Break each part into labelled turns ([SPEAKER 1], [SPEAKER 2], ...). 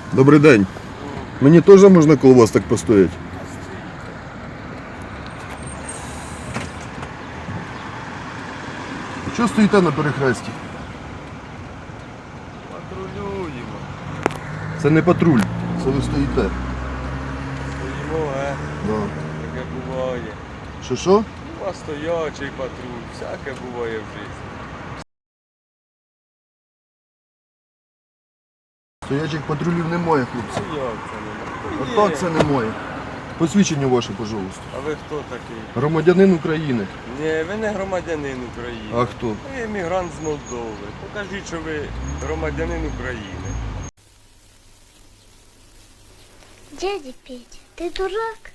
[SPEAKER 1] Добрий день. Мені теж можна коло вас так постояти? Чого стоїте на перехресті?
[SPEAKER 2] Патрулюємо.
[SPEAKER 1] Це не патруль, це ви стоїте.
[SPEAKER 2] Стоїмо,
[SPEAKER 1] Да.
[SPEAKER 2] таке буває.
[SPEAKER 1] Що?
[SPEAKER 2] У вас стоячий патруль, всяке буває в житті.
[SPEAKER 1] Стоячих патрулів немає, хлопці.
[SPEAKER 2] Ну як це немає?
[SPEAKER 1] А так це немає. Посвідчення ваше, пожалуйста.
[SPEAKER 2] А ви хто такий?
[SPEAKER 1] Громадянин України.
[SPEAKER 2] Ні, ви не громадянин України.
[SPEAKER 1] А хто?
[SPEAKER 2] Ви емігрант з Молдови. Покажіть, що ви громадянин України.
[SPEAKER 3] Дядя Петя, ты дурак?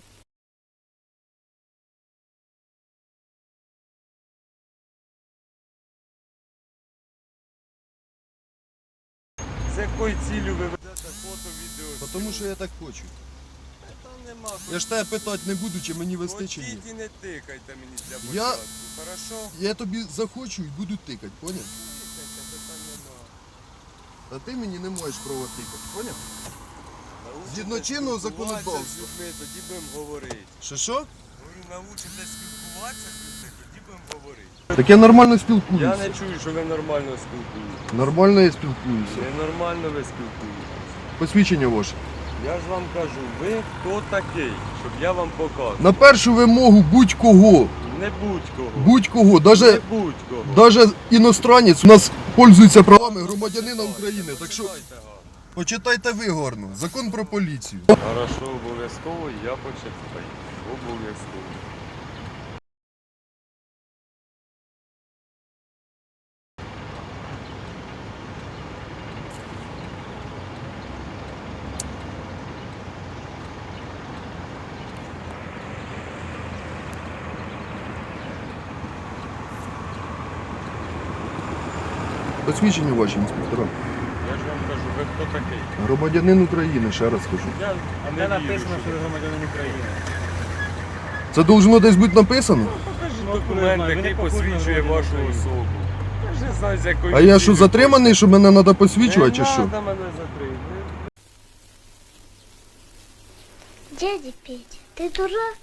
[SPEAKER 2] З якою ціллю ви ведете фото, відео?
[SPEAKER 1] Тому що я так хочу.
[SPEAKER 2] Та нема.
[SPEAKER 1] Я ж тебе питати не буду, чи мені вести, чи ні.
[SPEAKER 2] Хотіть і не тикайте мені для
[SPEAKER 1] Я-
[SPEAKER 2] початку, хорошо?
[SPEAKER 1] Я тобі захочу і буду тикати, поняв?
[SPEAKER 2] Тикайте, питань нема.
[SPEAKER 1] А ти мені не маєш права тикати, поняв?
[SPEAKER 2] Научитесь
[SPEAKER 1] Згідно чинного
[SPEAKER 2] спілкуватися
[SPEAKER 1] законодавства.
[SPEAKER 2] з людьми, тоді будемо говорити.
[SPEAKER 1] Що?
[SPEAKER 2] Говорю, научитесь спілкуватися з людьми, тоді будемо говорити.
[SPEAKER 1] Так я нормально
[SPEAKER 2] Я
[SPEAKER 1] спілкуюся.
[SPEAKER 2] не чую, що ви нормально спілкуєтесь.
[SPEAKER 1] Нормально я спілкуюся.
[SPEAKER 2] Ненормально ви спілкуєтесь.
[SPEAKER 1] Посвідчення ваше.
[SPEAKER 2] Я ж вам кажу, ви хто такий, щоб я вам показував.
[SPEAKER 1] На першу вимогу будь-кого.
[SPEAKER 2] Не будь-кого.
[SPEAKER 1] Будь-кого.
[SPEAKER 2] Не
[SPEAKER 1] Даже
[SPEAKER 2] будь-кого.
[SPEAKER 1] іностранець у нас пользується правами громадянина України. Так що
[SPEAKER 2] Почитайте гарно.
[SPEAKER 1] почитайте ви гарно. Закон про поліцію.
[SPEAKER 2] Хорошо, обов'язково, я почитаю. Обов'язково.
[SPEAKER 1] Посвідчення ваші, інспектора.
[SPEAKER 2] Я ж вам кажу, ви хто такий?
[SPEAKER 1] Громадянин України, ще раз кажу.
[SPEAKER 2] Я
[SPEAKER 4] А
[SPEAKER 2] не
[SPEAKER 4] де
[SPEAKER 2] вірю,
[SPEAKER 4] написано, що
[SPEAKER 2] що
[SPEAKER 4] ви громадянин України?
[SPEAKER 1] Це должно десь бути написано?
[SPEAKER 2] покажіть
[SPEAKER 4] Ну,
[SPEAKER 2] документ,
[SPEAKER 4] ви не
[SPEAKER 2] який
[SPEAKER 4] похожі на
[SPEAKER 2] посвідчує
[SPEAKER 4] громадянина
[SPEAKER 2] вашу
[SPEAKER 4] України.
[SPEAKER 2] особу. Я ж не знаю, з якої
[SPEAKER 1] А я що,
[SPEAKER 2] цілі
[SPEAKER 1] затриманий, що мене треба посвідчувати, чи
[SPEAKER 2] Не
[SPEAKER 1] що?
[SPEAKER 2] треба мене затримати.
[SPEAKER 3] Дядя Петя, ты дурак?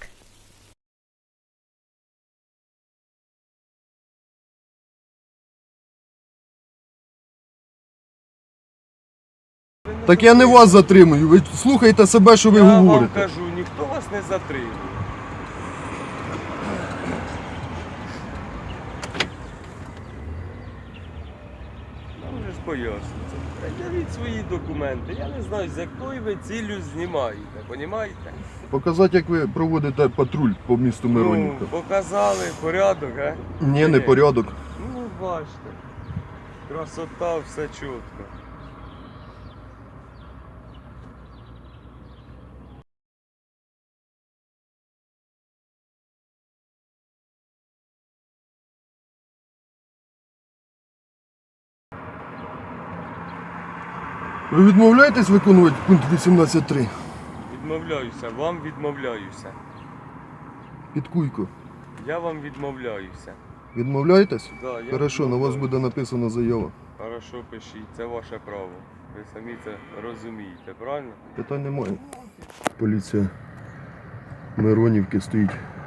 [SPEAKER 1] Так я не вас затримую, ви слухайте себе, що ви
[SPEAKER 2] Я вам
[SPEAKER 1] говорите.
[SPEAKER 2] кажу, ніхто вас не затримує. Нам вже ж пояснюється. Пред'явіть свої документи. Я не знаю, з якою ви ціллю знімаєте, понімаєте?
[SPEAKER 1] Показати, як ви проводите патруль по місту Миронівка.
[SPEAKER 2] Ну, показали порядок, а?
[SPEAKER 1] Ні, не порядок.
[SPEAKER 2] Ну, бачите. Красота, все чітко.
[SPEAKER 1] Ви відмовляєтесь виконувати пункт 18.3?
[SPEAKER 2] Відмовляюся, вам відмовляюся.
[SPEAKER 1] Під куйку.
[SPEAKER 2] Я вам відмовляюся.
[SPEAKER 1] Відмовляєтесь?
[SPEAKER 2] Да, я
[SPEAKER 1] Хорошо, на вас
[SPEAKER 2] відмовляюся.
[SPEAKER 1] буде написана заява.
[SPEAKER 2] Хорошо, пишіть, це ваше право. Ви самі це розумієте, правильно?
[SPEAKER 1] Питань немає. Поліція Миронівки стоїть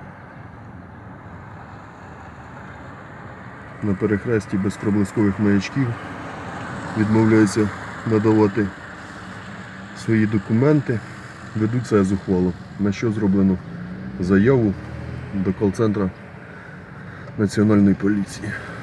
[SPEAKER 1] на перехресті без проблискових маячків. Відмовляється надавати свої документи. Ведуть себе зухвало. На що зроблено заяву до кол-центру Національної поліції.